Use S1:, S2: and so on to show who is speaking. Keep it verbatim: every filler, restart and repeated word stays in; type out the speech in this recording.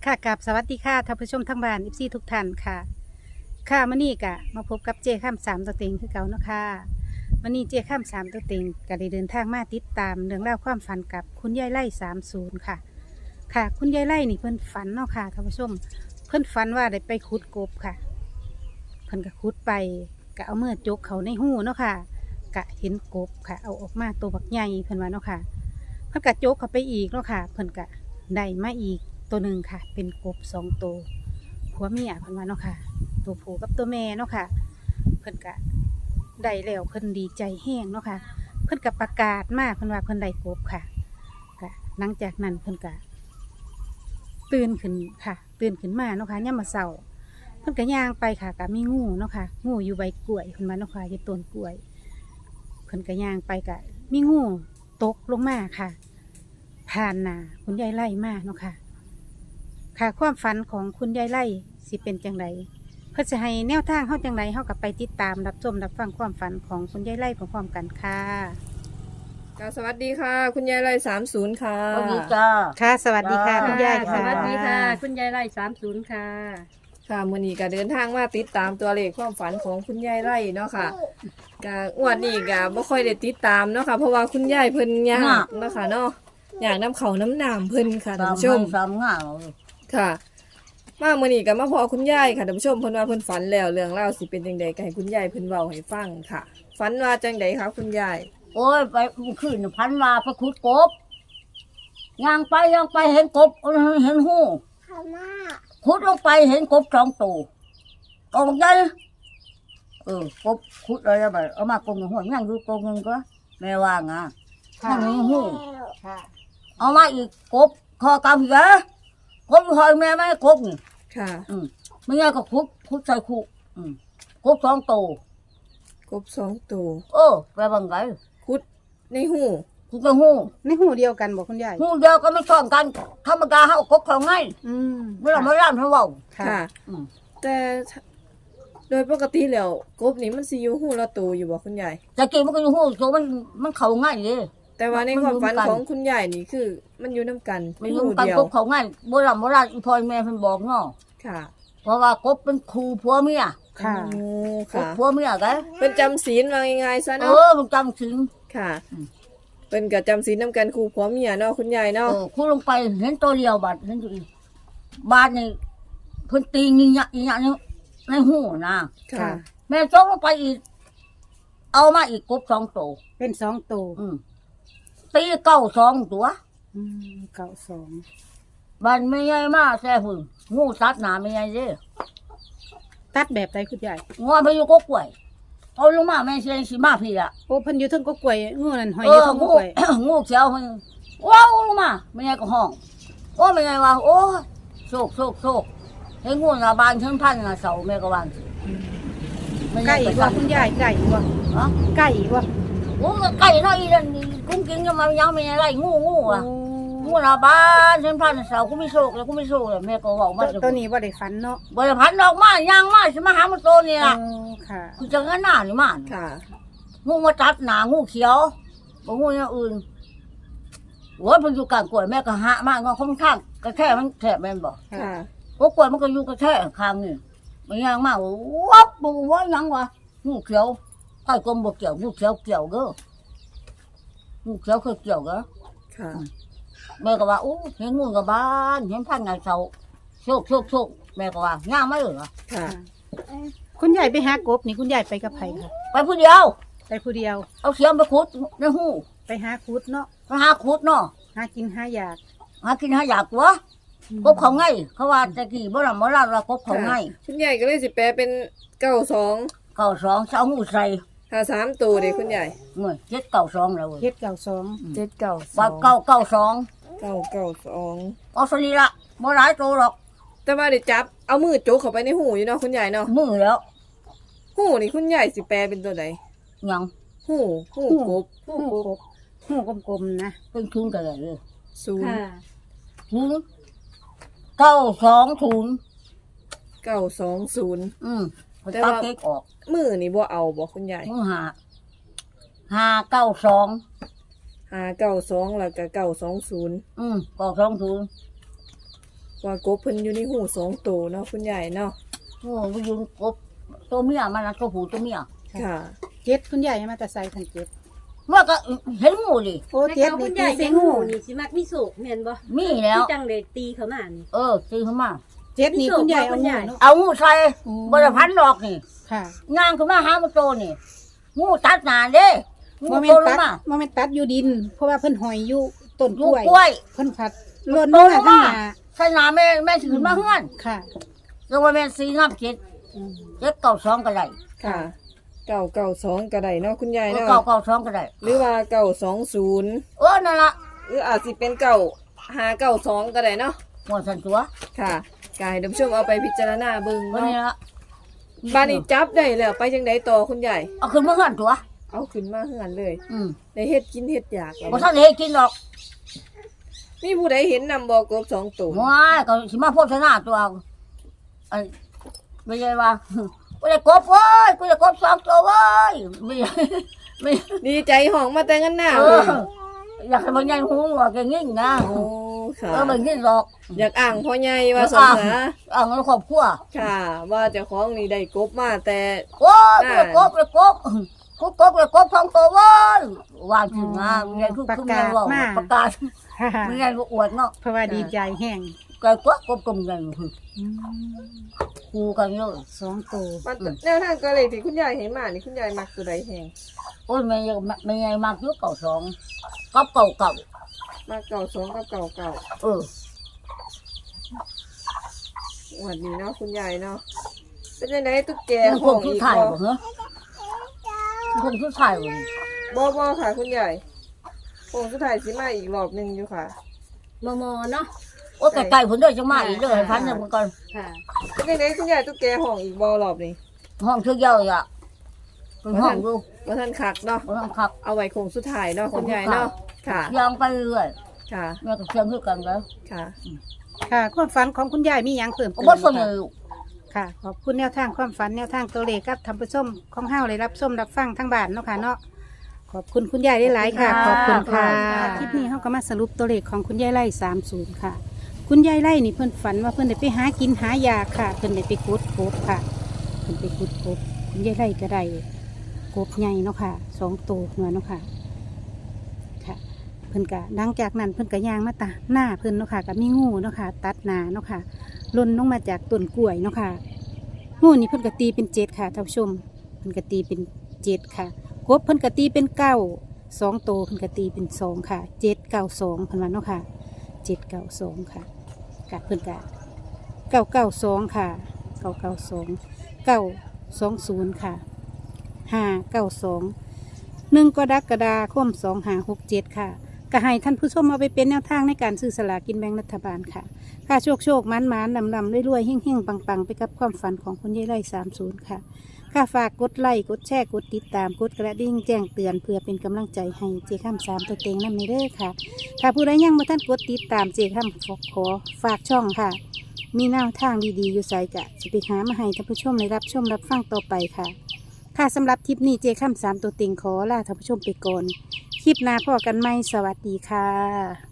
S1: ค่ะกับสวัสดีค่ะท่านผู้ชมทั้งบ้านอิฟซีทุกท่านค่ะค่ะมื่อนี้กะมาพบกับเจข้ามสามตัวเต็งคือเก่าเนาะค่ะมื่อนี้เจข้ามสามตัวเต็งก็ได้เดินทางมาติดตามเรื่องเล่าวความฝันกับคุณยายไล่สามศูนย์ค่ะค่ะ คุณยายไล่นี่เพิ่นฝันเนาะค่ะท่านผู้ชมเพิ่นฝันว่าได้ไปขุดกบค่ะเพิ่นก็ขุดไปก็เอามือจกเขาในหูเนาะค่ะกะเห็นกบค่ะเอาออกมาตัวบักใหญ่เพิ่นว่าเนาะค่ะเพิ่นก็จกเข้าไปอีกเนาะค่ะเพิ่นก็ได้มาอีกตัวหนึ่งค่ะเป็นกบสองตัวผัวเมียเพิ่นว่าเนาะค่ะตัวผู้กับตัวแม่เนาะค่ะเพิ่นก็ได้แล้วเพิ่นดีใจแห้งเนาะค่ะเพิ่นก็ประกาศมาเพิ่นว่าเพิ่นได้กบค่ะค่ะหลังจากนั้นเพิ่นก็ตื่นขึ้นค่ะตื่นขึ้นมาเนาะค่ะยามมื้อเช้าเพิ่นก็ย่างไปค่ะก็มีงูเนาะค่ะงูอยู่ใบกล้วยเพิ่นว่าเนาะค่ะอยู่ต้นกล้วยเพิ่นก็ย่างไปก็มีงูตกลงมาค่ะผ่านหน้าคุณยายไล่มาเนาะค่ะค่ะความฝันของคุณยายไล่สิเป็นจังไดเพื่อจะให้แนวทางเฮาจังไดเฮากับไปติดตามรับชมรับฟังความฝันของคุณยายไล่พร้อมๆกันค่ะ
S2: ค่ะสวัสดีค่ะ คุณยายไรสามศูนย์ค่ะ
S3: สวัสดีจ้า
S1: ค่ะ สวัสดีค่ะ
S3: จ้า
S1: คุณยาย
S4: ส
S1: ค่ะ
S4: วัสดีค่ะ คุณยายไร่สามศูนย์ค่ะ
S2: ค่ะมื่อนี้ก็เดินทางมาติดตามตัวเลขความฝันของคุณยายไรเนาะค่ะกะงวดนี้ก็บ่ค่อยได้ติดตามเนาะค่ะเพราะว่าคุณยายเพิ่นยากเนาะค่ะเนาะอยากน้ำเขาน้ำหนามเพิ่นค่ะท่านผู้ชม
S3: สามง่าย
S2: ค่ะ มามื่อนี้ก็มาพอคุณยายค่ะท่านผู้ชมเพิ่นว่าเพิ่นฝันแล้วเรื่องเล่าวสิเป็นจังไดก็ให้คุณยายเพิ่นเว้าให้ฟังค่ะฝันว่าจังไดคะคุณยาย
S3: โอ้ยไปขึ้นพันมาไปขุดกบย่างไปย่างไปเห็นกบเห็นหูขุดลงไปเห็นกบสองตัวกองใหญ่เออกบขุดอะไรแบบเอามากงหัวย่างดูกงนึงก็แม่ว่างอ่ะนั่งมีหู
S1: ค่ะ
S3: เอามาอีกกบคอกำเหรอกบหอยแม่ไม่กบนี่
S2: ค่ะ
S3: อืมไม่งั้นก็ขุดขุดใส่คู่อืมกบสองตัว
S2: กบสองตัว
S3: เออไปบังไง
S2: คุดในหู
S3: ขุดกระหู
S1: ในหูเดียวกันบอกคุณยาย
S3: หูเดียวก็ไม่ซ้อนกันธรรมดาเขากบเขาง่าย
S1: อืม
S3: ไม่ต้องมาร่ำให้เว่า
S1: ค่ะ
S2: ค่ะ
S3: อืม
S2: แต่โดยปกติแล้วกบนี่มันสิอยู่หูละตัวอยู่บ่คุณยาย
S3: แต่กี้มันก็อยู่หูโซมันมันเขาง่ายเลย
S2: แต่ว่าในความฝัน
S3: มันอยู่นำกัน
S2: ของคุณยายนี่คือ มันอยู่นํกัน
S3: มัน
S2: หู
S3: รู้กัน
S2: เดียว
S3: กบเขาง่ายโบราณโบราณอีพอยแม่เพิ่นบอกเนาะ
S2: ค่ะ
S3: เพราะว่ากบเป็นครูผัวเมีย
S1: ค่ะ
S2: โอ้
S3: กบ
S2: ค่ะ
S3: ผัวเมียกัน
S2: เป็นจำศีลว่าง่ายๆซะ
S3: เอ
S2: เนาะ
S3: อมันจำถึง
S2: ค่ะ
S3: อืม
S2: เป็นกับจำศีลนํกันครูผัวเมียเนาะคุณยาย
S3: เอ
S2: เนาะ
S3: อคู่ลงไปเห็นตัวเดียวบาดเห็นอยู่อีกบาดนี่เพิ่นตีงิยะอีหยังในหูนะ
S2: ค่ะ
S3: แม่จกลงไปอีก เอามาอีกกบสองตัว
S1: เป็นสองตัว
S3: อืมตีเก้าสองตัว
S1: อืมเก่าสอง
S3: บันไม่ใหญ่มากแซ่หุ่นงูสัตว์หนาไม่ใหญ่เด้
S1: ตัดแบบใดคุณยาย
S3: งอนไปอยู่ก็กล้วยเอาลงมาแม่เชียงสีมาพี่ละ
S1: โอ้เพิ่นอยู่เทั้งก็กล้วยงูนั่นหอย
S3: เอ
S1: อยู่
S3: อ
S1: เทั้งก็
S3: งู
S1: กล้วย
S3: งูเขียวมันว้าวลงมาไม่ใหญ่ก็ห้องโอ้ไม่ใหญ่ว่าโอ้โชคโชคโชคเห็นงูหน้าบานถึงพันหน้าเสาแม่ก็วางสิไม่ให
S1: ไก่
S3: ญ่ก็
S1: บ่
S3: สั่น
S1: คุณยายไก่บ่
S3: ฮะ
S1: ไก่บ่
S3: โอ้ไก่น้อยอีนั่นกุ้งกินยังมายังไม่ใหญ่ไรงูงูอ่ะ
S1: โอ้
S3: งูหน้าบานถึงพันหน้าเสากูไม่โชคแล้วกูไม่โชคแล้วแม่ก็บอกมา
S1: ตัวตัวนี้บ่ได้ฝันเนาะ
S3: บริพันธ์ดอกไม้ยางไม้สิมาหามันโตนี่
S1: โอ้
S3: ล่ะ
S1: ค่ะ
S3: คือจะงั้นหน้านี่มัน
S2: ค่ะ
S3: งูมาตัดหนางูเขียวบ่งูอย่างอื่นโอ้ยมันอยู่กลางกล้วยแม่ก็หะมากงอค่อนข้างกระแทกมันแทบแม่นบ่
S2: ค่ะ
S3: โอ้กล้วยมันก็อยู่กระแทกข้างนี่มันยางมากวับบ่ว่าหยังวะงูเขียวใต้กลมบ่เกี่ยวงูเขียวเกี่ยวเด้องูเขียวเคยเกี่ยวเด้อ
S2: ค่ะ
S3: แม่ก็ว่าอู้เห็นงูกับบ้านเห็นพันไงเสาโชคโชคโชคแม่ก็ว่าย่างไม่เหรอ
S2: ค่ะ
S1: คุณยายไปหากบนี่คุณยายไปกับไผค่ะ
S3: ไปผู้เดียว
S1: ไปผู้เดียว
S3: เอาเสียมไปขุดในหู
S1: ไปหาคุดเนาะ
S3: ไปหาขุดเนาะ
S1: หากินหาอยาก
S3: หากินหาอยากวะกบเขาไงเขาว่าตะกี้บ่ล่ะบ่ล่ะว่ากบเขาไง
S2: คุณยายก็เลยสิแปลเป็นเก้าสอง
S3: เก้าสองเสาหูใส่
S2: ถ้าสามตัวเด็กคุณยาย
S3: เมื่อเจ็ดเก้าสองแล้วเว้ย
S1: เฮ็ดเก่าสอง
S2: เจ็ดเก้าส
S3: ว่า
S2: อง
S3: เก้าเก้าสอง
S2: เก้าเก้าสอง
S3: เอาสนีละบ่หลายโตหรอก
S2: แต่ว่าได้จับเอามือโจกเข้าไปในหูอยู่เนาะคุณยายเนาะ
S3: มือแล้ว
S2: หูนี่คุณยายสิแปลเป็นตัวไหน
S3: หยัง
S2: หูหูกบ
S1: หูกบหูกลมๆนะ
S3: เป็นทุนกันเลย
S2: ศูนย์
S4: ค่ะ
S3: ทุนเก้าสองทุน
S2: เก้าสองศูนย์
S3: อืมไป
S2: แต่
S3: ตัด
S2: ว่า
S3: เค้กออก
S2: มือนี่บ่เอาบ่คุณยาย
S3: มือหาห้าเก้าสอง
S2: หาเก้าสองแล้วก็เก้าสองศูนย์
S3: อืมเก้าสองทุน
S2: ว่ากบเพิ่นอยู่ในหูสองตัวเนาะคุณยายเนาะ
S3: โอ้ไปยืนกบตัวเมียมันนะตัวผู้ตัวเมีย
S2: ค่ะ
S1: เจ็ดคุณยายมาแต่ใส่คันเจ็ด
S3: ว่าก็เห็นงูดิ
S1: โอ้
S4: แต่
S1: เจ็ด
S4: เขา
S1: นี่
S4: คุณ
S1: ตี
S4: ยาย
S1: เสี
S4: เลี้
S1: ย
S4: ย
S1: ง
S4: ง
S1: งู
S4: งูนี่สิมักมีโศกแม่นบ่
S3: มีแล้ว
S4: ที่จังเลยตีเขามานี่
S3: เออตีเข้ามา
S1: เจ็ดนี่คุณยายเอา
S4: คุณ
S1: งู
S4: ยาย
S1: เนาะ
S3: เอางูใส่
S1: อืม
S3: บริพันธ์ดอกนี่
S1: ค่ะ
S3: งานขึ้นมาหามันโตนี่งูตัดหนาเด้
S1: โม
S3: งู
S1: เม
S3: โต
S1: น
S3: ล
S1: ตั
S3: ง
S1: ด
S3: มา
S1: โมเมนตัดอยู่ดิน เพราะว่าเพิ่นหอยอยู่ต้นก
S3: งู
S1: ล้วย
S3: กล้วย
S1: เพิ่นผัดหล่นลงมาข้างหน้า
S3: ใส่หนาแม่แม่ถือมาเฮือน
S1: ค่ะ
S3: แล้วว่าแม่สีน้ำเจ็ด
S1: อืม
S3: เจ็ดเก่าสองก็ได้
S2: ค่ะเก่าเก่าสองก็ได้เนาะคุณยาย
S3: เออ
S2: เนาะ
S3: เก่าเก่าสองก็ได้
S2: หรือว่าเก่าสองศูนย์
S3: เออนั่นละ
S2: หรืออาจสิเป็นเก่าหาเก่าสองก็ได้เนาะ
S3: หมดสันตัว
S2: ค่ะกายท่านผู้ชมเอาไปพิจารณาเบิ่ง
S3: วัน
S2: เนาะ
S3: นี้ละ
S2: บ้านนี้จับได้แล้วไปจังไดต่อคุณยาย
S3: เอาขึ้นมาเฮือนตัว
S2: เอาขึ้นมาเฮือนเลย
S3: อืม
S2: ได้เฮ็ดกินเฮ็ดอยากแล้ว
S3: บ่ทันได้เฮ็ดกินหรอก
S2: มีผู้ใดเห็นนำบ่กบสองตัว
S3: ว้ายก็สิมาโพสนาตัวอันไม่ใช่ว่ากูได้กบเว้ยกูได้กบสองตัวเว้ยไม่ใช่ไม่
S2: ดีใจห้องมาแต่งันหน้า
S3: เอ
S2: เล
S3: อย อยากให้มันยังหูว่าแกงิ่งนะ
S2: โอ้ค่ะ
S3: เออมันงิ่งหรอก
S2: อยากอ่างพ่อใหญ่ว่าสงสา
S3: อ่างครอบครัว
S2: ค่ะ ว่าเจ้าของนี่ได้กบมาแต่
S3: โอ้ยกูได้กบกูได้กบกูกบกูได้กบสองตัวเว้ยวางถึงนะมันยังคือคือมันยังว่าประกาศ
S1: ค่ะ
S3: มันยังอวดเนาะ
S1: เพราะว่าดีใจแห้ง
S3: ไก่กบกบกลมกัน
S1: อืม
S3: คูกันเลย
S1: สองตัว
S2: มันแนวทางก็เลยที่คุณยายเห็นมานี่คุณยายมักตัวใดแฮง
S3: โอ้ยมันยังมันยังมากยุคเก่าสองกับเก่าเก่า
S2: มักเก่าสองกับเก่าเก่า
S3: เออ
S2: วันนี้เนาะคุณยายเนาะเป็นยังไงตุ๊กแก
S3: มันค
S2: ห้อง ง
S3: ชุด
S2: อีก
S3: ไทย
S2: บ่
S3: บ่เหรอคงชุดไทยบ่
S2: บ่บ่ค่ะคุณยายคงสุดท้ายสิมาอีกรอบหนึงอยู่ค่ะ
S4: มอมอเนาะ
S3: โอ้ไก่ๆผลเด้อจังมาอีกเด้อให้พันเนี่ยมันก่อน
S4: ค่ะ
S2: เป็นยังไงคุณยายตุ๊กแกห้องอีกบ่รอบนี้
S3: ห้องเทือกยาวอ่ะเป็นห้องดู
S2: ว่าท่านคักเนาะ
S3: บ่ต้องขับ
S2: เอาไว้คงสุดท้ายเนาะคุณยายเนาะค่ะ
S3: เชียงไปเรื่อย
S2: ค่ะ
S3: แม่ก็เชียงคือกันแล้ว
S2: ค่ะ
S1: ค่ะ ความฝันของคุณยายมีหยังเพิ่ม
S3: ก็
S1: เติม
S3: บ่สน
S1: ไหม
S3: เล
S1: คะ
S3: ย
S1: ค่ะ ขอบคุณแนวทางความฝันแนวทางตัวเลขกับท่านผู้ชมของเฮาเลยรับชมรับฟังทั้งบ้านเนาะค่ะเนาะขอบคุณคุณยายได้หลายๆค่ะ ขอบคุณค่ะคลิปนี้เฮาก็มาสรุปตัวเลขของคุณยายไร่สามศูนย์ค่ะ คุณยายไร่นี่เพิ่นฝันว่าเพิ่นได้ไปหากินหายาค่ะ เพิ่นได้ไปกุดกบค่ะเพิ่นไปกุดกบคุณยายไร่ก็ได้กบใหญ่เนาะค่ะสองตัวเนาะค่ะค่ะ เพิ่นก็หลังจากนั้นเพิ่นก็ย่างมาตาหน้าเพิ่นเนาะค่ะก็มีงูเนาะค่ะตัดหน้าเนาะค่ะหล่นลงมาจากต้นกล้วยเนาะค่ะงูนี่เพิ่นก็ตีเป็นเจ็ดค่ะท่านผู้ชมเพิ่นก็ตีเป็นเจ็ดค่ะกบเพิ่นก็ตีเป็นเก้าสองตัวเพิ่นก็ตีเป็นสองค่ะเจ็ดเก้าสองเพิ่นว่าเนาะค่ะเจ็ดเก้าสองค่ะกะเพิ่นกะเก้าเก้าสองค่ะเก้าเก้าสองเก้าสองศูนย์ค่ะห้าเก้าสองหนึ่งกรกฎาคมสองห้าหกเจ็ดค่ะ ก็ให้ท่านผู้ชมเอาไปเป็นแนวทางในการซื้อสลากกินแบ่งรัฐบาลค่ะ ค่าโชคโชคมันมันลำลำรวยๆเฮ่งเฮ่งปังปังไปกับความฝันของคุณยายไร่สามศูนย์ค่ะ ค่าฝากกดไลค์กดแชร์กดติดตามกดกระดิ่งแจ้งเตือนเพื่อเป็นกำลังใจให้เจ้าข้ามสามตัวเต็งนั่นในเด้อค่ะ ถ้าผู้ใดยังมาท่านกดติดตามเจ้าข้ามขอขอฝากช่องค่ะ มีแนวทางดีๆอยู่ใส่กะจะไปหามาให้ท่านผู้ชมได้รับชมรับฟังต่อไปค่ะ ค่ะสำหรับคลิปนี้เจ้าข้ามสามตัวเต็งขอลาท่านผู้ชมไปก่อน คลิปหน้าพอกันไหมสวัสดีค่ะ